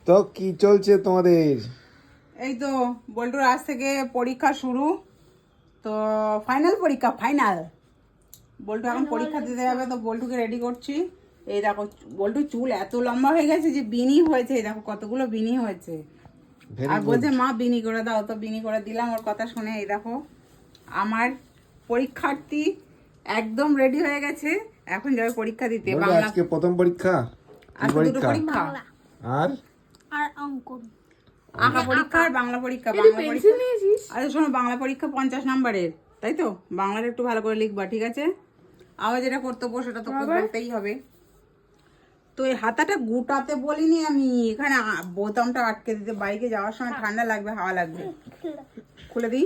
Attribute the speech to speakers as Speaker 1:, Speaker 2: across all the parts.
Speaker 1: তো কি চলছে তোমাদের?
Speaker 2: এই তো বল্টুর আজ থেকে পরীক্ষা শুরু। তো ফাইনাল পরীক্ষা, ফাইনাল। বল্টু এখন পরীক্ষা দিতে যাবে, তো বল্টুকে রেডি করছি। এই দেখো বল্টুর চুল এত লম্বা হয়ে গেছে যে বিনি হয়েছে। এই দেখো কতগুলো বিনি হয়েছে। আর বলছে মা বিনি করে দাও, তো বিনি করে দিলাম ওর কথা শুনে। এই দেখো আমার পরীক্ষার্থী একদম রেডি হয়ে গেছে, এখন যাবে পরীক্ষা দিতে। বাংলা
Speaker 1: আজকে প্রথম পরীক্ষা।
Speaker 2: আজকে দুটো পরীক্ষা
Speaker 1: আর
Speaker 3: আর অঙ্কন,
Speaker 2: আঁকা পরীক্ষা আর বাংলা পরীক্ষা। বাংলা পরীক্ষা আরে শোনো, বাংলা পরীক্ষা 50 নম্বরের, তাই তো? বাংলাটা একটু ভালো করে লিখবা, ঠিক আছে? আবার যেটা কর্তব্য সেটা তো করতেই হবে। তো এই হাতাটা গুটাতে বলিনি আমি, এখানে বোতামটা আটকে দিতে। বাইকে যাওয়ার সময় ঠান্ডা লাগবে, হাওয়া লাগবে। খুলে দিই।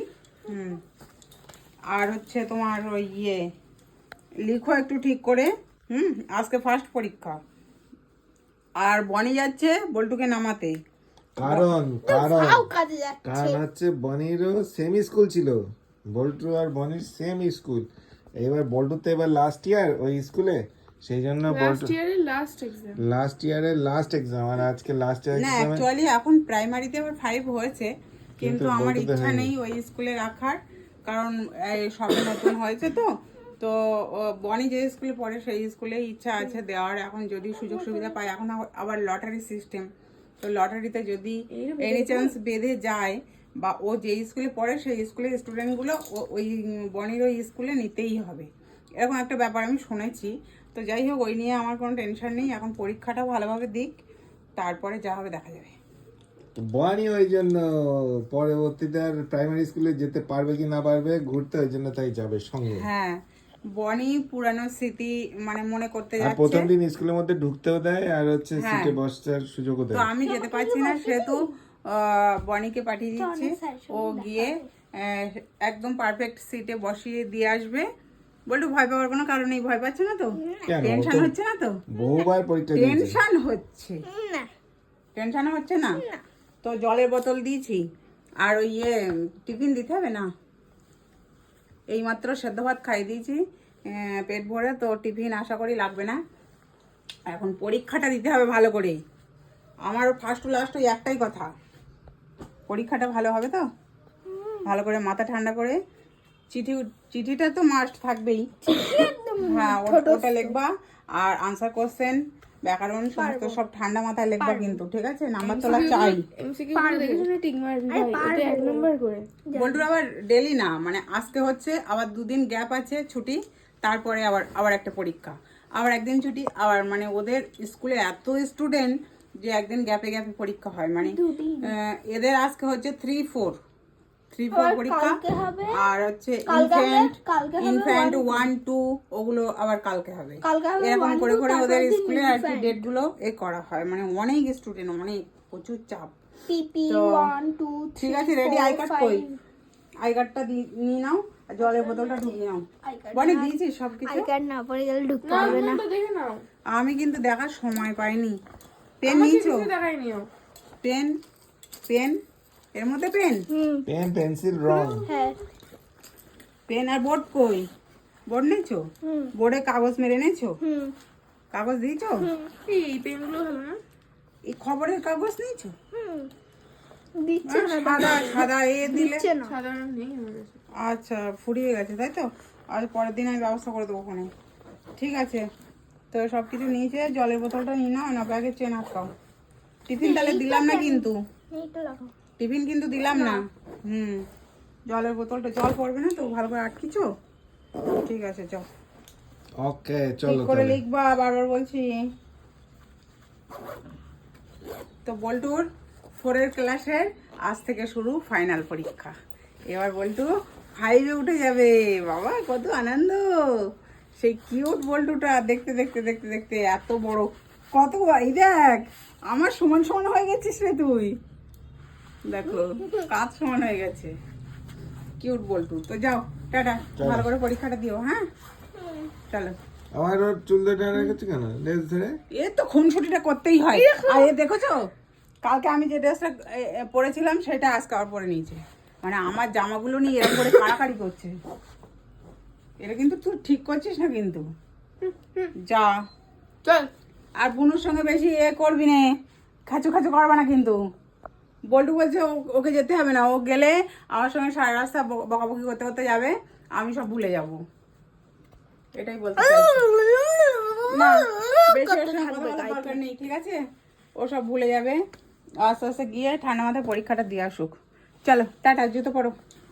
Speaker 2: আর হচ্ছে তোমার ওই লিখো একটু ঠিক করে। আজকে ফার্স্ট পরীক্ষা। আর বনি যাচ্ছে বল্টুকে নামাতে।
Speaker 1: কারণ কারণ
Speaker 3: কাজে যাচ্ছে।
Speaker 1: কারণ হচ্ছে বনিরও সেম স্কুল ছিল, বল্টু আর বনির সেম স্কুল। এবার বল্টু তো এবার লাস্ট ইয়ার ওই স্কুলে, সেই জন্য বল্টু লাস্ট ইয়ারের লাস্ট এক্সাম, আর আজকে লাস্ট ইয়ার
Speaker 2: না,
Speaker 1: এক্সাম।
Speaker 2: অ্যাকচুয়ালি এখন প্রাইমারিতে আবার 5 হয়েছে, কিন্তু আমার ইচ্ছা নেই ওই স্কুলে রাখার। কারণ সবে নতুন হয়েছে তো। তো বনি যে স্কুলে পড়ে সেই স্কুলে ইচ্ছা আছে দেওয়ার, এখন যদি সুযোগ সুবিধা পায়। এখন আবার লটারি সিস্টেম, তো লটারিতে যদি এনি চান্স বেঁধে যায়, বা ও যে স্কুলে পড়ে সেই স্কুলের স্টুডেন্টগুলো ওই বনির ওই স্কুলে নিতেই হবে, এরকম একটা ব্যাপার আমি শুনেছি। তো যাই হোক, ওই নিয়ে আমার কোনো টেনশন নেই। এখন পরীক্ষাটা ভালোভাবে দিক, তারপরে যা হবে দেখা যাবে।
Speaker 1: বনি ওই জন্য পরবর্তীতে আর প্রাইমারি স্কুলে যেতে পারবে কি না পারবে ঘুরতে, ওই জন্য তাই যাবে সঙ্গে।
Speaker 2: হ্যাঁ, বনি পুরানো স্মৃতি মানে মনে করতে
Speaker 1: আর
Speaker 2: যাচ্ছে।
Speaker 1: প্রথম দিন স্কুলের মধ্যে ঢুকতেও দেয়, আর হচ্ছে
Speaker 2: হ্যাঁ।
Speaker 1: সিটে বসার সুযোগও
Speaker 2: তো
Speaker 1: দেয়।
Speaker 2: আমি যেতে পারছি না, সেহেতু বনিকে পাঠিয়ে দিচ্ছি। ও গিয়ে একদম পারফেক্ট সিটে বসিয়ে দিয়ে আসবে। বলটু ভয় পাওয়ার কোনো কারণ নেই। ভয় পাচ্ছে না তো?
Speaker 1: কেন?
Speaker 2: টেনশন হচ্ছে না তো?
Speaker 1: বহুবার পরীক্ষা দিয়েছে।
Speaker 2: টেনশন হচ্ছে?
Speaker 3: না
Speaker 2: টেনশন হচ্ছে না? তো জলের বোতল দিয়েছি। আর ওই টিফিন দিতে হবে না? এইমাত্র সেদ্ধ ভাত খাইয়ে দিয়েছি পেট ভরে, তো টিফিন আশা করি লাগবে না। এখন পরীক্ষাটা দিতে হবে ভালো করে। আমার ফার্স্ট টু লাস্ট ওই একটাই কথা, পরীক্ষাটা ভালো হবে তো? ভালো করে মাথা ঠান্ডা করে চিঠিটা তো মাস্ট থাকবেই। হ্যাঁ, ওটা লিখবা। আর আনসার কোশ্চেন, ব্যাকরণ সমস্ত সব ঠান্ডা মাথায় লিখবা কিন্তু, ঠিক আছে? নাম্বার তোলা চাই। বল্টুর আবার ডেলি না, মানে আজকে হচ্ছে, আবার 2 দিন গ্যাপ আছে ছুটি, তারপরে আবার একটা পরীক্ষা, আবার একদিন ছুটি। আবার মানে ওদের স্কুলে এত স্টুডেন্ট যে একদিন গ্যাপে গ্যাপে পরীক্ষা হয়। মানে এদের আজকে হচ্ছে 3-4 পরীক্ষা। আর হচ্ছে ইনফ্যান্ট 1-2 ওগুলো আবার কালকে হবে। এরকম করে করে ওদের স্কুলে আর কি ডেট গুলো করা হয়। মানে অনেক স্টুডেন্ট, অনেক প্রচুর চাপ। তো ঠিক আছে, রেডি? আই কার্ড কই? আই কার্ডটা নিয়ে নাও, আর জলের বোতলটা ঢুকিয়ে নাও। বলে দিয়েছি সবকিছু।
Speaker 3: না পরে গেলে ঢুকতে পারবে না।
Speaker 2: আমি কিন্তু দেখার সময় পাইনি। পেন নিয়েছো? পেন পেন এর মধ্যে পেন
Speaker 1: পেন পেন্সিল রং।
Speaker 3: হ্যাঁ,
Speaker 2: পেন আর বোর্ড কই? বোর্ড নিয়েছো? বোর্ডে কাগজ মেরে এনেছো? কাগজ দিয়েছো? এই খবরের কাগজ নিয়েছো?
Speaker 3: দিচ্ছে না,
Speaker 2: সাদা সাদা দিলে।
Speaker 3: দিচ্ছে না।
Speaker 2: আচ্ছা, ফুরিয়ে গেছে তাই তো? আর পরের দিন আমি ব্যবস্থা করে দেবো ওখানে। ঠিক আছে, তো সব কিছু নিয়েছে। জলের বোতলটা নিয়ে নাও, না ব্যাগে চেন আটকাও। টিফিন তাহলে দিলাম না কিন্তু,
Speaker 3: এইটা লাগাও।
Speaker 2: টিফিন কিন্তু দিলাম না। জলের বোতলটা, জল পড়বে না তো? ভালো করে আটকিছো? ঠিক আছে, চল।
Speaker 1: ওকে,
Speaker 2: ঠিক
Speaker 1: চলো
Speaker 2: করে
Speaker 1: তাহলে।
Speaker 2: লিখবা, বারবার বলছি। তো বল্টুর 4 ক্লাসের আজ থেকে শুরু ফাইনাল পরীক্ষা। এবার বল্টু 5-এ উঠে যাবে। বাবা কত আনন্দ! সেই কিউট বল্টুটা দেখতে দেখতে দেখতে দেখতে এত বড়, কত এই দেখ, আমার সমান সমান হয়ে গেছিস রে তুই। দেখো কাজ সমান হয়ে গেছে। কিউট বল্টু। তো যাও, টাটা। ভালো করে পরীক্ষাটা দিও। হ্যাঁ, চলো।
Speaker 1: আমার ওর চুল ধরে রেখেছে কেন? লেজ ধরে?
Speaker 2: এ তো খুনসুটিটা করতেই হয়। আর দেখেছো, কালকে আমি যে ড্রেসটা পরেছিলাম সেটা আজকে আবার পরে নিয়েছে। মানে আমার জামাগুলো নিয়ে এরকম করে কাড়াকাড়ি করছে। এটা কিন্তু তুই ঠিক করছিস না কিন্তু। যা চল। আর বুনুর সঙ্গে বেশি করবি না, খাচু খাচু করবে না কিন্তু। বল্টু বলছে ওকে যেতে হবে না, ও গেলে আমার সঙ্গে সারা রাস্তা বকাবকি করতে করতে যাবে, আমি সব ভুলে যাব, এটাই বলতে চাইছি। না বেশি ওর সঙ্গে কথা বলার দরকার নেই, ঠিক আছে? ও সব ভুলে যাবে, আস্তে আস্তে গিয়ে ঠান্ডা মাথায় পরীক্ষাটা দিয়ে আসুক। চলো টাটা, জুতো পরো।